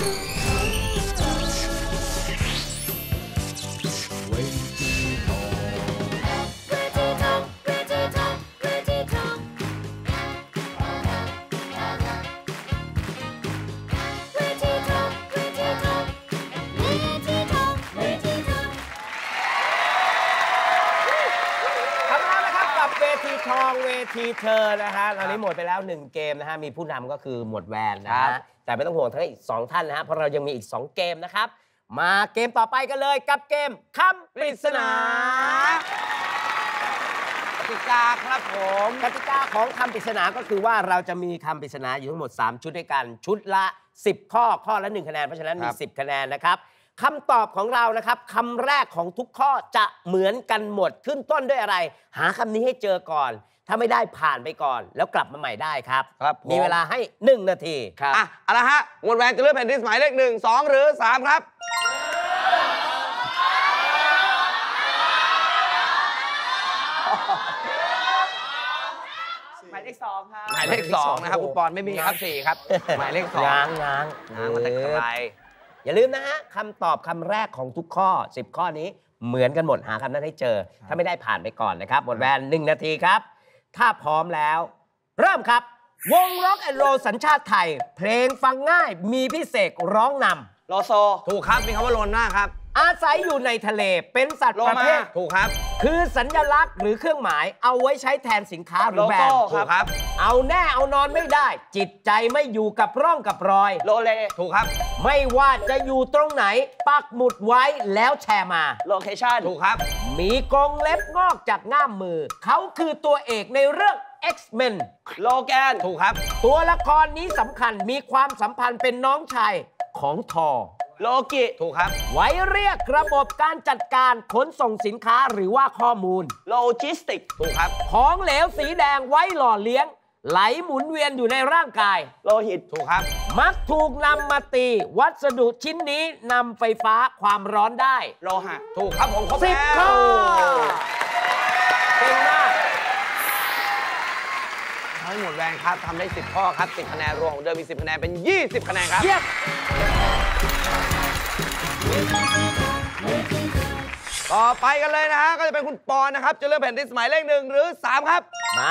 ทองเวทีเธอนะฮะตอนนี้หมดไปแล้ว1เกมนะฮะมีผู้นำก็คือหมวดแวนนะฮะแต่ไม่ต้องห่วงทั้งอีก2ท่านนะฮะเพราะเรายังมีอีก2เกมนะครับมาเกมต่อไปกันเลยกับเกมคำปริศนากติกาครับผมกติกาของคำปริศนาก็คือว่าเราจะมีคำปริศนาอยู่ทั้งหมด3ชุดด้วยกันชุดละ10ข้อข้อละ1คะแนนเพราะฉะนั้นมี10คะแนนนะครับคำตอบของเรานะครับคำแรกของทุกข้อจะเหมือนกันหมดขึ้นต้นด้วยอะไรหาคำนี้ให้เจอก่อนถ้าไม่ได้ผ่านไปก่อนแล้วกลับมาใหม่ได้ครับมีเวลาให้1นาทีครับเอาละฮะหมวดแวนจะเลือกแผ่นดินหมายเลข1 2หรือ3ครับหมายเลข2ครับหมายเลข2นะครับคุณปอนไม่มีครับ4ครับหมายเลข2 ง้างมันจะไกลอย่าลืมนะฮะคำตอบคำแรกของทุกข้อ10ข้อนี้เหมือนกันหมดหาคำนั้นให้เจอถ้าไม่ได้ผ่านไปก่อนนะครับหมดแวน1นาทีครับถ้าพร้อมแล้วเริ่มครับวงร็อกแอนด์โรลสัญชาติไทยเพลงฟังง่ายมีพี่เสกร้องนำโลโซถูกครับมีคำว่าโลน่าครับอาศัยอยู่ในทะเลเป็นสัตว์ประเภทถูกครับคือสัญลักษณ์หรือเครื่องหมายเอาไว้ใช้แทนสินค้าหรือแบรนด์ถูกครับเอาแน่เอานอนไม่ได้จิตใจไม่อยู่กับร่องกับรอยโลเลถูกครับไม่ว่าจะอยู่ตรงไหนปักหมุดไว้แล้วแชร์มาโลเคชั่นถูกครับมีกรงเล็บงอกจากง่ามมือเขาคือตัวเอกในเรื่อง X-Men โลแกนถูกครับตัวละครนี้สำคัญมีความสัมพันธ์เป็นน้องชายของทอโลกิถูกครับไว้เรียกระบบการจัดการขนส่งสินค้าหรือว่าข้อมูลโลจิสติกถูกครับของเหลวสีแดงไว้หล่อเลี้ยงไหลหมุนเวียนอยู่ในร่างกายโลหิตถูกครับมักถูกนำมาตีวัสดุชิ้นนี้นำไฟฟ้าความร้อนได้โลหะถูกครับผมครบแล้ว 10 ข้อเก่งมากทั้งหมดแวนครับทำได้10ข้อครับ10คะแนนรวมของเดิมมี10คะแนนเป็น20คะแนนครับต่อไปกันเลยนะฮะก็จะเป็นคุณปอนนะครับจะเลือกแผ่นดินหมายเลข1หรือ3ครับมา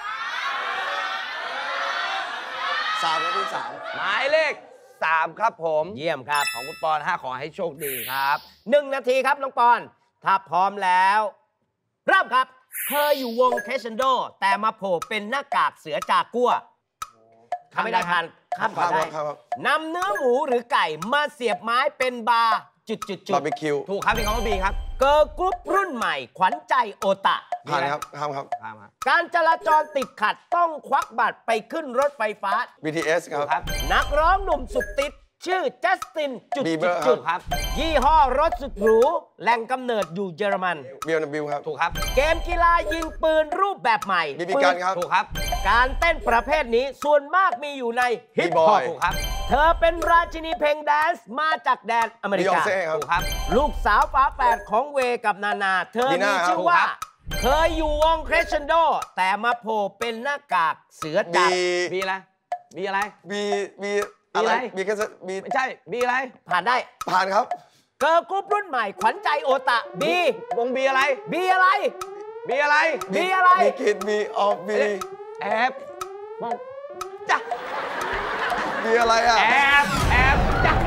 3ครับที่3หมายเลข3ครับผมเยี่ยมครับของคุณปอนขอให้โชคดีครับ 1นาทีครับน้องปอนถ้าพร้อมแล้วเริ่มครับเคยอยู่วงเคชันโดแต่มาโผล่เป็นหน้ากากเสือจากกัวทำไม่ได้ทันข้ามก่อนได้นำเนื้อหมูหรือไก่มาเสียบไม้เป็นบาร์บาร์บีคิวถูกครับมีคำว่าบีครับเกิร์ลกรุ๊ปรุ่นใหม่ขวัญใจโอตะผ่านครับครับการจราจรติดขัดต้องควักบัตรไปขึ้นรถไฟฟ้า BTS ครับนักร้องหนุ่มสุดติดชื่อจัสตินครับยี่ห้อรถสุดหรูแหล่งกำเนิดอยู่เยอรมัน BMW ครับถูกครับเกมกีฬายิงปืนรูปแบบใหม่ BB Gunครับถูกครับการเต้นประเภทนี้ส่วนมากมีอยู่ในฮิปฮอปถูกครับเธอเป็นราชินีเพลงแดนซ์มาจากแดนอเมริกาถูกครับลูกสาวฝาแฝดของเวกับนานาเธอมีชื่อว่าเคยอยู่วงเครชันโดแต่มาโผล่เป็นหน้ากากเสือจับบีอะไรบีอะไรบีอะไรบีแค่บีไม่ใช่บีอะไรผ่านได้ผ่านครับเกิร์ลกรุ๊ปรุ่นใหม่ขวัญใจโอตะบีวงบีอะไรบีอะไรบีอะไรบีอะไรบีคิดบีออฟบีแอบมองจ้ะบีอะไรอ่ะแอบจ้ะ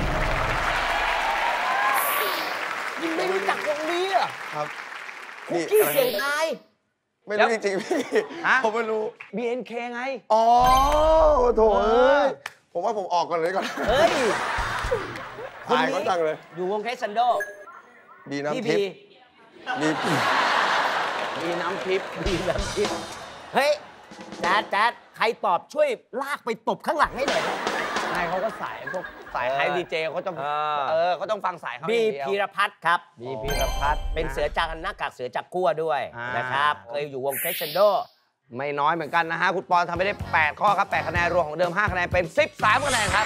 ยังไม่รู้จักวงนี้อ่ะครับคุกกี้เสียงไทยไม่รู้จริงๆพี่ผมไม่รู้ BNK ไงอ๋อโถผมว่าผมออกก่อนเลยก่อนเฮ้ยคนนี้เขาจังเลยอยู่วงเคชันโดบีน้ำทิพย์บีน้ำทิพย์เฮ้ยแจ๊ดใครตอบช่วยลากไปตบข้างหลังให้หน่อยนายเขาก็สายพวกสายไฮดีเจเขาต้องเขาต้องฟังสายเขาบีพีรพัฒน์ครับบีพีรพัฒน์เป็นเสือจากหน้ากากเสือจากกั้วด้วยนะครับเคยอยู่วงเคชันโดไม่น้อยเหมือนกันนะฮะคุณปอนทำไปได้8ข้อครับ8คะแนนรวมของเดิม5คะแนนเป็น13คะแนนครับ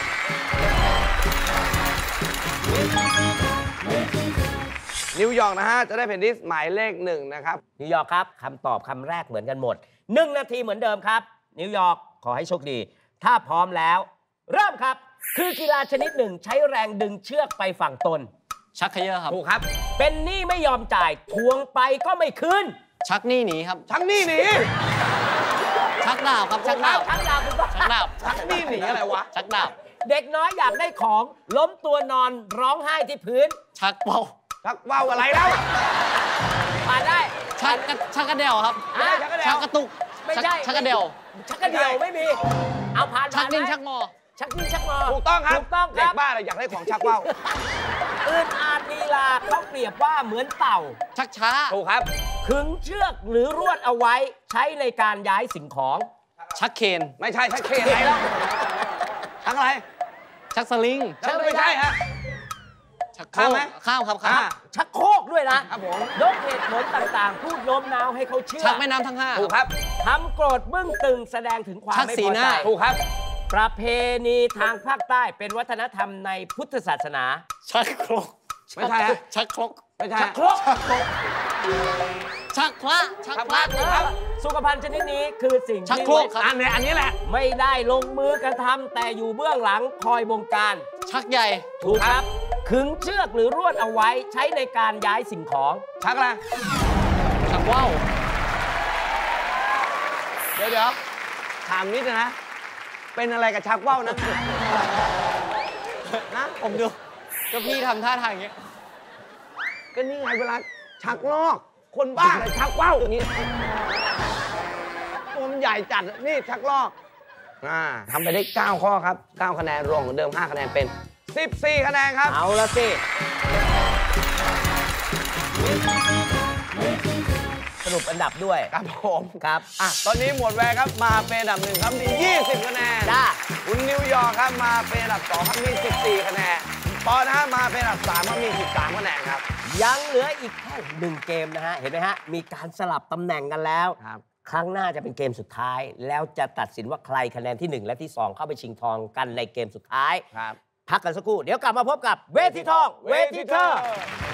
นิวยอร์กนะฮะจะได้แผ่นดินหมายเลข1นะครับนิวยอร์กครับคำตอบคำแรกเหมือนกันหมด1นาทีเหมือนเดิมครับนิวยอร์กขอให้โชคดีถ้าพร้อมแล้วเริ่มครับคือกีฬาชนิดหนึ่งใช้แรงดึงเชือกไปฝั่งตนชักเขย่อครับถูกครับเป็นหนี้ไม่ยอมจ่ายทวงไปก็ไม่คืนชักหนี้หนีครับชักหนี้หนีชักดาบครับ ชักดาบชักดาบถูกต้องชักดาบชักหนี้หนีอะไรวะชักดาบเด็กน้อยอยากได้ของล้มตัวนอนร้องไห้ที่พื้นชักเป่าชักว่าวอะไรแล้วผ่านได้ชักกระเดี่ยวครับไม่ใช่ชักกระเดี่ยวชักกระตุกไม่ใช่ชักกระเดี่ยวชักกระเดี่ยวไม่มี เอาผ่านชักดิ้นไหมชักงอชักดิ้นชักงอถูกต้องครับถูกต้องคเด็รักบบ้าเลยอยากได้ของชักว่าวอืดอาดลีลาเขาเปรียบว่าเหมือนเต่าชักช้าถูกครับขึงเชือกหรือรวดเอาไว้ใช้ในการย้ายสิ่งของชักเคนไม่ใช่ชักเคอะไรแล้วชักอะไรชักสลิงชักไม่ใช่ฮะชักโคข้ามไหมข้ามครับอ่าข้ามชักโครกด้วยนะครับผมยกเหตุผลต่างๆ พูดโน้มน้าวให้เขาเชื่อชักแม่น้ำทั้งห้าถูกครับทำโกรธบึ้งตึงแสดงถึงความชักไม่สีพอหใจน้าถูกครับประเพณีทางภาคใต้เป็นวัฒนธรรมในพุทธศาสนาชักครกไม่ใช่ฮะชักครกไม่ใช่ชัฮะกโครกชักพระชักชักพพระระถูกครับสุขภัณฑ์ชนิดนี้คือสิ่งชักที่โครกครับอันนี้แหละไม่ได้ลงมือกระทำแต่อยู่เบื้องหลังคอยบงการชักใหญ่ถูกครับขึงเชือกหรือรวดเอาไว้ใช้ในการย้ายสิ่งของชักอะไรชักว่าวเดี๋ยวถามนิดนะ เป็นอะไรกับชักว่าวนะนะผมดูก็พี่ทำท่าทางอย่างเงี้ยก็นี่ไงเวลาชักลอก คนบ้าเลยชักว่าวอย่างนี้ตัวมันใหญ่จัดนี่ชักลอกทำไปได้ 9 ข้อครับ 9 คะแนนรวมของเดิม 5 คะแนนเป็น 14 คะแนนครับเอาละสิ สรุปอันดับด้วยครับผมครับตอนนี้หมวดแวร์ครับมาเป็นอันดับหนึ่งครับมี 20 คะแนนจ้าคุณนิวยอร์กครับมาเป็นอันดับ 2 ครับมี 14 คะแนนปอนะฮะมาเป็นอันดับ 3 ครับมี 13 คะแนนครับยังเหลืออีกแค่1เกมนะฮะ เห็นไหมฮะ มีการสลับตำแหน่งกันแล้วครับครั้งหน้าจะเป็นเกมสุดท้าย แล้วจะตัดสินว่าใครคะแนนที่ 1 และที่ 2 เข้าไปชิงทองกันในเกมสุดท้ายครับพักกันสักครู่ เดี๋ยวกลับมาพบกับเวทีทอง เวทีเธอ